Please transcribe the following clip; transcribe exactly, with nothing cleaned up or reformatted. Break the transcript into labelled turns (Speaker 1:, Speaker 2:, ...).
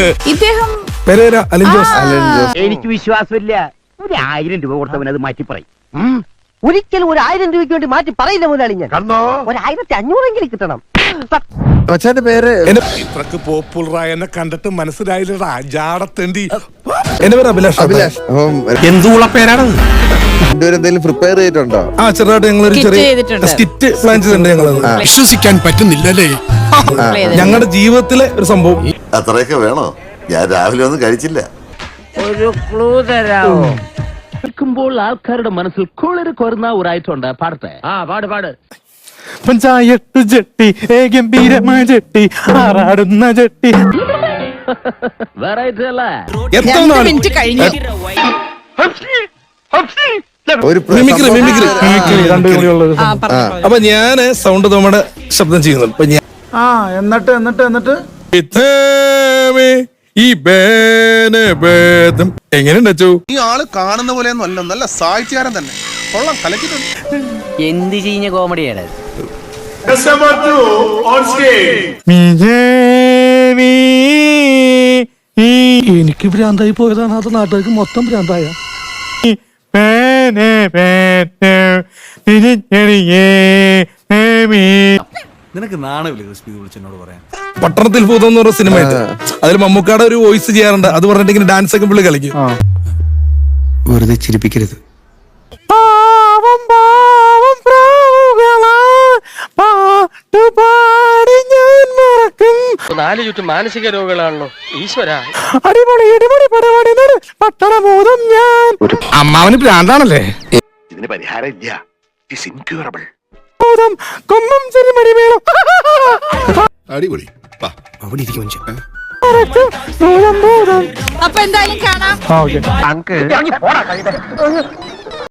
Speaker 1: ഇദ്ദേഹം
Speaker 2: Pereira Allen Jose.
Speaker 3: എനിക്ക് വിശ്വാസമില്ല. ഒരു ആയിരം രൂപ കൊടുത്തവൻ അത് മാറ്റി പറയും. ഒരിക്കലും ഒരു ആയിരം രൂപയ്ക്ക് വേണ്ടി മാറ്റി പറയില്ല മുതലാളി. ഞാൻ ഒരു ആയിരത്തി അഞ്ഞൂറെങ്കിലും കിട്ടണം.
Speaker 4: മച്ചാന്റെ പേര്
Speaker 2: ഇത്രക്ക് പോപ്പുലറായ എന്നെ കണ്ടിട്ട് മനസ്സിലായില്ലടാ ജാടത്തേണ്ടി. എന്റെ പേര് അഭിലാഷ്.
Speaker 4: അഭിലാഷ്.
Speaker 2: എന്തുള്ള പേരാണ്?
Speaker 4: എന്തെങ്കിലും പ്രിപ്പയർ ചെയ്തിട്ടുണ്ടോ?
Speaker 2: ആ ചെറുതായിട്ട് ഞങ്ങളൊരു ചെറിയ സ്കിറ്റ് പ്ലാൻ ചെയ്തിട്ടുണ്ട്. ഞങ്ങളത് വിശ്വസിക്കാൻ പറ്റുന്നില്ലല്ലേ. ഞങ്ങളുടെ ജീവിതത്തിലെ ഒരു സംഭവം.
Speaker 5: അത്രയൊക്കെ വേണോ? ഞാൻ രാവിലെ ഒന്നും കഴിച്ചില്ല.
Speaker 3: ഒരു ക്ലൂ തരാമോ? കേൾക്കുമ്പോൾ ആൾക്കാരുടെ മനസ്സിൽ കുളിര് കൊരുന്ന ഒരായിട്ടുണ്ട്. പാടട്ടെ? ആ പാട് പാട്.
Speaker 6: പഞ്ചായത്ത് ജട്ടി ഗംഭീരമായ ജട്ടി ആറാടുന്ന ജട്ടി.
Speaker 3: വെറൈറ്റി അല്ലേ?
Speaker 1: രണ്ട് മിനിറ്റ് കഴിഞ്ഞു.
Speaker 4: ഒരു
Speaker 2: മിമിക്രി മിമിക്രി
Speaker 1: ആ, പറഞ്ഞോ.
Speaker 2: അപ്പൊ ഞാന് സൗണ്ട് നമ്മുടെ ശബ്ദം ചെയ്യുന്നുണ്ട്. അപ്പൊ ഞാൻ
Speaker 6: ആ എന്നിട്ട് എന്നിട്ട് എന്നിട്ട്
Speaker 2: ഈ എങ്ങനെയുണ്ട് അച്ചു?
Speaker 7: ഈ ആള് കാണുന്ന പോലെയൊന്നും അല്ല, നല്ല സാഹിത്യകാരൻ തന്നെ. കൊള്ളാം, കലക്കിട്ടുണ്ട്.
Speaker 3: എന്ത് ചെയ്യുന്ന കോമഡിയാണ്?
Speaker 6: എനിക്ക് ഭ്രാന്തായി പോയതാണ്, അത് നാട്ടുകാർക്ക് മൊത്തം ഭ്രാന്തായ.
Speaker 7: നിനക്ക് നാണമില്ല ക്രിസ്പി വിളിച്ചെന്നോട് പറയാൻ?
Speaker 2: പട്ടണത്തിൽ ഭൂതം എന്ന് പറഞ്ഞ സിനിമ ഉണ്ട്. അതിൽ മമ്മൂക്കാടെ ഒരു വോയിസ് ചെയ്യാറുണ്ട്. അത് പറഞ്ഞിട്ട് ഇങ്ങനെ ഡാൻസ് ഒക്കെ പുള്ളി കളിക്കും.
Speaker 7: വെറുതെ ചിരിപ്പിക്കരുത്.
Speaker 6: പാവം പാവം പ്രാവുകളാ പാട്ടുപാടി ഞാൻ മറക്കും.
Speaker 3: നാല് ചുറ്റും മാനസിക രോഗികളാണല്ലോ ഈശ്വര.
Speaker 6: അടിപൊളി അടിപൊളി പടപടി പട്ടണബോധം ഞാൻ.
Speaker 2: അമ്മാവന് ഭ്രാന്താണല്ലേ?
Speaker 5: ഇതിന് പരിഹാരം ഇല്ല. It's incurable.
Speaker 6: കൊമ്പം ചെറിമടി വേണം.
Speaker 5: അടിപൊളി.
Speaker 7: അവിടെ ഇരിക്കും മനുഷ്യൻ.
Speaker 1: അപ്പൊ എന്തായാലും കാണാം.
Speaker 6: ആ ഓക്കെ.
Speaker 3: പോടാ